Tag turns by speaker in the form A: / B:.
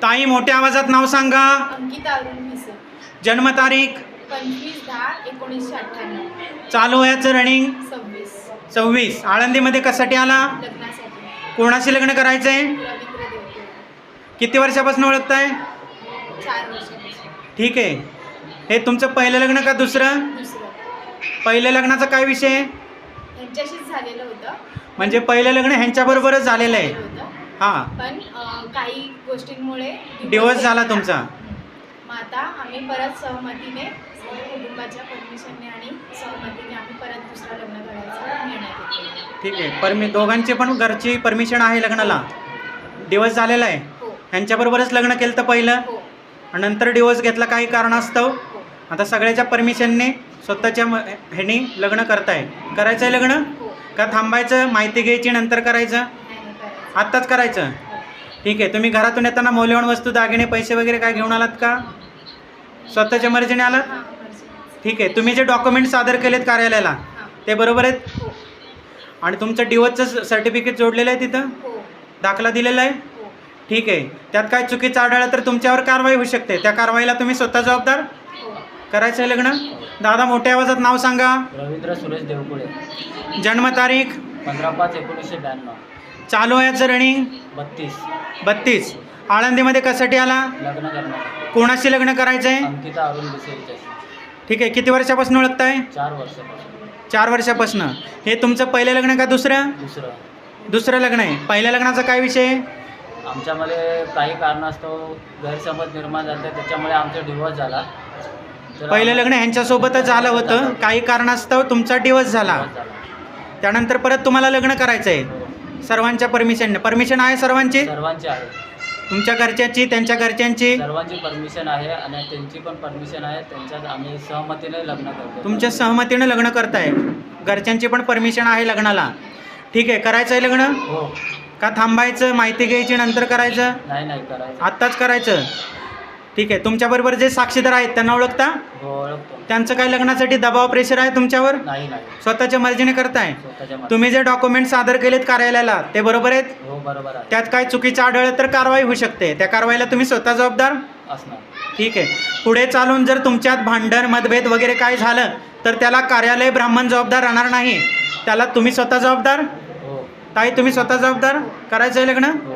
A: ताई मोठ्या आवाजात नाव सांगा.
B: अंकिता अरुण भिसे.
A: जन्मतारीख
B: 25/10/1998.
A: चालू वयाचं रनिंग 26. आळंदीमध्ये कशासाठी आला?
B: लग्नासाठी.
A: कोणाशी लग्न करायचंय?
B: रवींद्र देवकुळे.
A: किती वर्षापासून ओळखताय?
B: 4 वर्षापासून.
A: ठीक आहे. हे तुमचं पहिलं लग्न का दुसरं?
B: दुसरं.
A: पहिल्या लग्नाचा काय विषय?
B: यांच्याशीच झालेलं होतं.
A: म्हणजे पहिलं लग्न ह्यांच्याबरोबरच झालेलं आहे.
B: होतं.
A: हां,
B: पण काही गोष्टींमुळे
A: डिवोर्स झाला तुमचा.
B: मग आता आम्ही परत सहमतीने कुटुंबाच्या परमिशनने आणि सहमतीने आम्ही परत दुसरं लग्न करायचा निर्णय घेतला.
A: ठीक आहे. दोघांची पण घरची परमिशन आहे लग्नाला? डिवोर्स झालेला आहे?
B: हो.
A: ह्यांच्याबरोबरच लग्न केलं तर पहिलं,
B: हो.
A: आणि नंतर डिवोर्स घेतला काही कारणास्तव.
B: हो.
A: आता सगळ्याच्या परमिशनने स्वतःच्या ह्यानी लग्न करायचं आहे लग्न
B: हो.
A: का थांबायचं, माहिती घ्यायची नंतर करायचं?
B: नाही करायचं.
A: आत्ताच करायचं.
B: हो.
A: ठीक आहे. तुम्ही घरातून येताना मौल्यवान वस्तू, दागिने, पैसे वगैरे काय घेऊन आलात का? स्वतःच्या मर्जीने आलात?
B: हां, मर्जी.
A: ठीक आहे. तुम्ही जे डॉक्युमेंट सादर केलेत कार्यालयाला
B: हां.
A: ते बरोबर आहेत?
B: हो.
A: आणि तुमचं डिवोर्सचं सर्टिफिकेट जोडलेलं आहे तिथं?
B: हो.
A: दाखला दिलेला आहे?
B: हो.
A: ठीक आहे. त्यात काय चुकीचं आढळलं तर तुमच्यावर कारवाई होऊ शकते. त्या कारवाईला तुम्ही स्वतः जबाबदार?
B: हो.
A: करायचं आहे लग्न? दादा मोठ्या आवाजात नाव सांगा.
C: रवींद्र सुरेश देवकुळे.
A: जन्मतारीख
C: 15/5/1992.
A: चालू वयाचं रनिंग
C: 32.
A: आळंदीमध्ये कशासाठी आला?
C: लग्न करण्यासाठी.
A: कोणाशी लग्न करायचं आहे?
C: अंकिता अरुण भिसे हिच्याशी.
A: ठीक आहे. किती वर्षापासून ओळखताय?
C: 4 वर्षापासून.
A: 4 वर्षापासून. हे तुमचं पहिलं लग्न का दुसरं? दुसरं लग्न आहे. पहिल्या लग्नाचा काय विषय?
C: आमच्यामध्ये काही कारणास्तव गैरसमज निर्माण झाले, त्याच्यामुळे आमचा डिवोर्स झाला. तर
A: पहिलं लग्न ह्यांच्यासोबतच झालं होतं, काही कारणास्तव तुमचा डिवोर्स झाला.
C: डिवोर्स झाला.
A: त्यानंतर परत तुम्हाला लग्न करायचं आहे
C: हो.
A: सर्वांच्या परमिशनने. परमिशन आहे सर्वांची?
C: सर्वांची आहे.
A: तुमच्या घरच्यांची, त्यांच्या घरच्यांची?
C: सर्वांची परमिशन आहे आणि त्यांची पण परमिशन आहे. त्यांच्यात आम्ही सहमतीने लग्न करतो.
A: तुमच्या सहमतीनं लग्न करताय. घरच्यांची पण परमिशन आहे लग्नाला. ठीक आहे. करायचं आहे लग्न
C: हो.
A: का थांबायचं, माहिती घ्यायची नंतर करायचं?
C: नाही करायचं.
A: आत्ताच करायचं. ठीक आहे. तुमच्याबरोबर जे साक्षीदार आहेत त्यांना ओळखता?
C: हो, ओळखतो.
A: त्यांचं काय लग्नासाठी दबाव, प्रेशर आहे तुमच्यावर?
C: नाही
A: स्वतःच्या मर्जीने करताय?
C: स्वतःच्या मनात.
A: तुम्ही जे डॉक्युमेंट सादर केलेत कार्यालयाला ते बरोबर आहेत?
C: हो, बरोबर आहे.
A: त्यात काय चुकीचं आढळलं तर कारवाई होऊ शकते. त्या कारवाईला तुम्ही स्वतः जबाबदार?
C: असणार.
A: ठीक आहे. पुढे चालून जर तुमच्यात भांडण, मतभेद वगैरे काय झालं तर त्याला कार्यालय ब्राह्मण जबाबदार राहणार नाही. त्याला तुम्ही स्वतः जबाबदार?
C: हो.
A: ताई तुम्ही स्वतः जबाबदार? करायचं आहे लग्न?
C: हो.